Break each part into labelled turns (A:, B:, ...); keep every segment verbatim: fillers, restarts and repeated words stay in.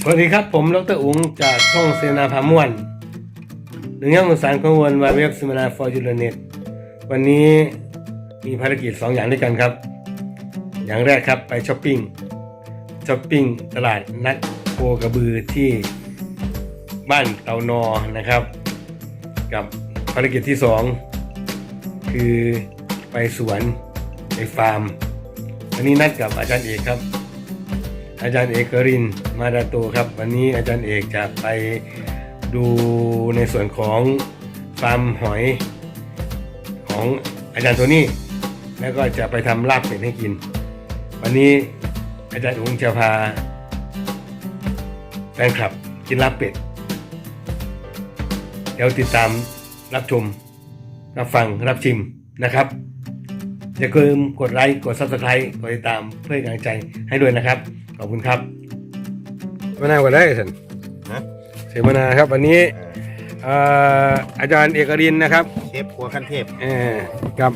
A: สวัสดีครับผมดรอุ๋งจากช่องเสนาพาม่วนหนึ่งย่างสารข้อมูลวายเว็บเซมินาฟอร์จูเน็ตวันนี้มีภารกิจสองอย่างด้วยกันครับอย่างแรกครับไปช้อปปิ้งช้อปปิ้งตลาดนัดโคกระบือที่บ้านเตานอนะครับกับภารกิจที่สองคือไปสวนไปฟาร์มวันนี้นัดกับอาจารย์เอกครับอาจารย์เอกกรินทร์มาดาโตครับวันนี้อาจารย์เอกจะไปดูในส่วนของฟาร์มหอยของอาจารย์โทนี่แล้วก็จะไปทำลาบเป็ดให้กินวันนี้อาจารย์อุ้งจะพาแฟนคลับกินลาบเป็ดเดี๋ยวติดตามรับชมรับฟังรับชิมนะครับอย่าลืมกดไลค์กด ซับสไครบ์ กดติดตามเพื่อเป็นกำลังใจให้ด้วยนะครับขอบคุณครับมานาวกันได้สิเสวนาครับวันนี้อาจารย์เอกรินทร์นะครับ
B: เชฟครัวขั้นเทพ
A: กับ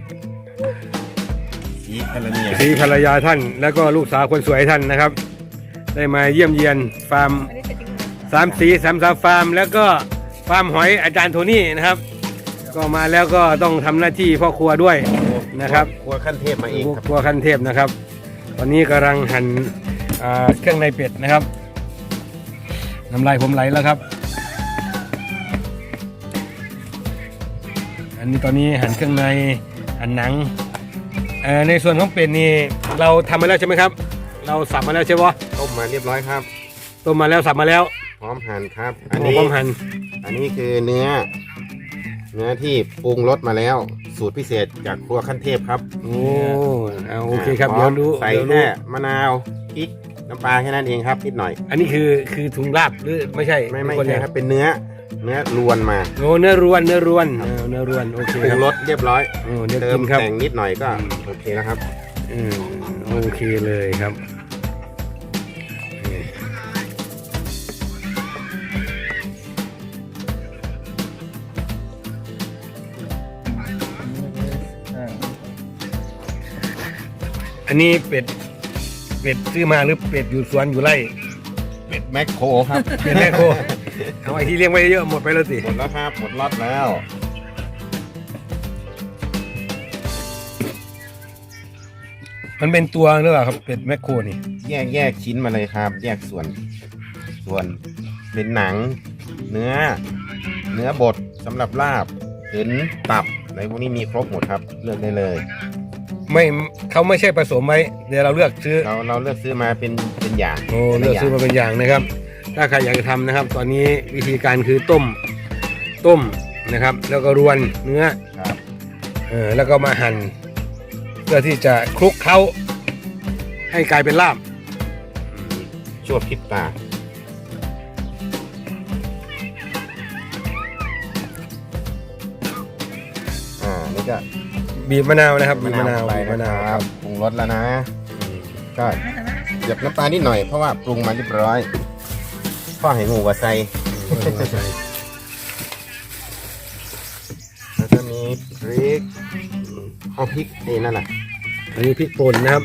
B: สีภรรยา
A: สีภรรยาท่านแล้วก็ลูกสาวคนสวยท่านนะครับได้มาเยี่ยมเยียนฟาร์มสามสีสามสามฟาร์มแล้วก็ฟาร์มหอยอาจารย์โทนี่นะครับก็มาแล้วก็ต้องทำหน้าที่พ่อครัวด้วยนะครับ
B: ครัวขั้นเทพมาเอง
A: ครัวขั้นเทพนะครับตอนนี้กำลังหั่นเครื่องในเป็ดนะครับน้ำลายผมไหลแล้วครับอันนี้ตอนนี้หั่นเครื่องในหั่นหนังในส่วนของเป็ดนี่เราทำมาแล้วใช่ไหมครับเราสับมาแล้วใช่ไหม
B: ต้มมาเรียบร้อยครับ
A: ต้มมาแล้วสับมาแล้ว
B: พร้อมหั่นครับ
A: อันนี้พร้อมหั่น
B: อันนี้คือเนื้อเนื้อที่ปรุงรสมาแล้วสูตรพิเศษจากครัวขั้นเทพครับ
A: โอ้เอาโอเคครับเดี๋ยวดู
B: ใส่แค่มะนาวพริกน้ำปลาแค่นั้นเองครับนิดหน่อย
A: อันนี้คือคือถุงลาบหรือไม่ใช่
B: ไม่ไม่ใช่ครับเป็นเนื้อเนื้อรวนมา
A: โอ้เนื้อรวนเนื้อรวนเนื้อรวนโอเค
B: ปรุงรสเรียบร้อย
A: โอ้เนื้อ
B: เติมแต่งนิดหน่อยก็โอเคแล้วครับ
A: อืมโอเคเลยครับอันนี้เป็ดเป็ดซื้อมาหรือเป็ดอยู่สวนอยู่ไร่
B: เป็ดแมคโครครับ
A: เป็ดแมคโครเอาไอ้ที่เลี้ยงไว้เยอะหมดไปแล้วสิ
B: หมดแล้วครับหมดล็อตแล้ว
A: มันเป็นตัวหรือเปล่าครับเป็ดแมคโครนี่
B: แยกแยกชิ้นมาเลยครับแยกส่วนส่วนเป็นหนังเนื้อเนื้อบดสำหรับลาบหรือตับในพวกนี้มีครบหมดครับเลือกได้เลย
A: ไม่เขาไม่ใช่ผสมไว้เดี๋ยวเราเลือกซื้อ
B: เราเราเลือกซื้อมาเป็นเป็นอย่าง
A: โอ้เลือกซื้อมาเป็นอย่างนะครับถ้าใครอยากจะทำนะครับตอนนี้วิธีการคือต้มต้มนะครับแล้วก็รวนเนื้อ
B: ครับ
A: เออแล้วก็มาหั่นเพื่อที่จะคลุกเคล้าให้กลายเป็นลาบ
B: ชั่วพริบตาอ่านี่ก็
A: บีบมะนาวนะครับบีบมะนาว
B: ไปมะนาวครับปรุงรสแล้วนะก็หยดน้ำตาลนิดหน่อยเพราะว่าปรุงมาเรียบร้อยพ่อให้หมูวาไซแล้วก็มีพริกเอาพริกนี่นั่นแหละ
A: อันนี้พริกป่นนะครับ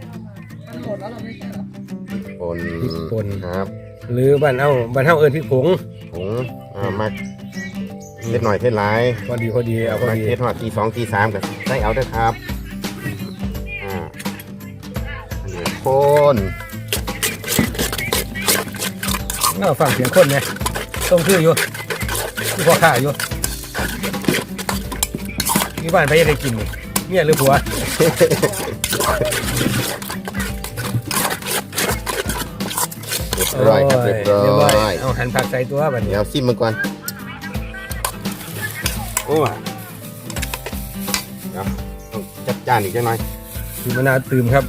B: ป่น
A: พริกป่น
B: ครับ
A: หรือบ้านเอาบ้านเฮาเอิ้นพริกผง
B: ผงอ่ามาเผ็ดหน่อยเผ็ดหลาย
A: พอดีพอดีเอาพอดี
B: เผ็ดหน่อยทีสองทีสามกันได้เอาด้วยครับอ่าคน
A: น่าฟังเสียงคนไงต้องชื่ออยู่ที่พ่อข้าอยู่ที่บ้านไปยังได้กินเนี่ยหรือผัว
B: เรียบร้อยครับเรียบร้อย
A: เอาหั่นผักใส่ตัวแบบนี้
B: เอาซิมมันก่อนโอ้เดี๋ยวต้องจัดจานอีกจังหน่อย
A: คือมะนาวตื่มครับ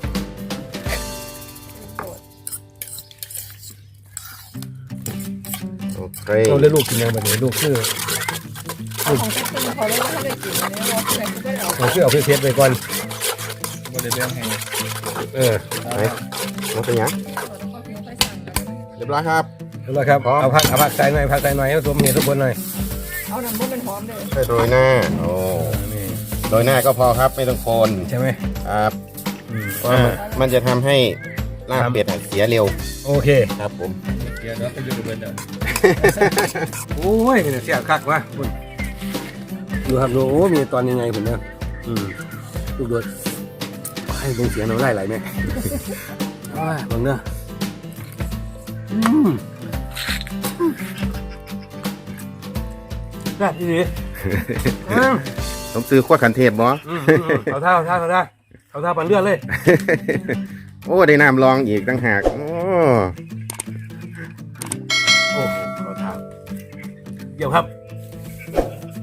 B: โอเค
A: เราเลี้ยงลูกกินยังแบบนี้ลูกคือ
C: ของที่คุณเขาเล่นไม่ได้กินเนี่ยเราเพื่อนก็เอา
A: เราคือเอาเพชรไปก่อน
C: บ่ได้เลี้ยงให้
A: เออ
B: ไปเราเป็นยังเรียบร้อยครับ
A: เรียบร้อยครับเอาผักเอาผักใส่หน่อยผักใส่หน่อยให้สมเหตุสมผลหน่อย
C: เอาน้ำมันเป็นหอมเลย
B: ใส่โรยหน้าโอ้โรยหน้าก็พอครับไม่ต้องโคน
A: ใช่ไหม
B: ครับเพราะมันจะทำให้ลาบเป็ดอะเสียเร็ว
A: โอเค
B: ครับผม
A: เดี๋ยวเราไปดูเบิร์ดอ่ะ โอ้ยเนี่ยเสียคักวะคุณดูครับดูโอ้มีตอนยังไงผมเนี่ยอืมลูกโดดให้เบิ่งเสียงเราได้ไหลไหมว้าเบิ่งเนอะอืมได้ดีดีอืม
B: ต้องซื้อขั้วขันเทพบ่
A: อืมอืมอืมเอาท่าเอาท่าเอาท่าเอาท่าปั่นเลือดเลย
B: โอ้ได้น้ำรองอีกตั้งหากโอ้
A: โอ้โหเอาท่าเดี๋ยวครับ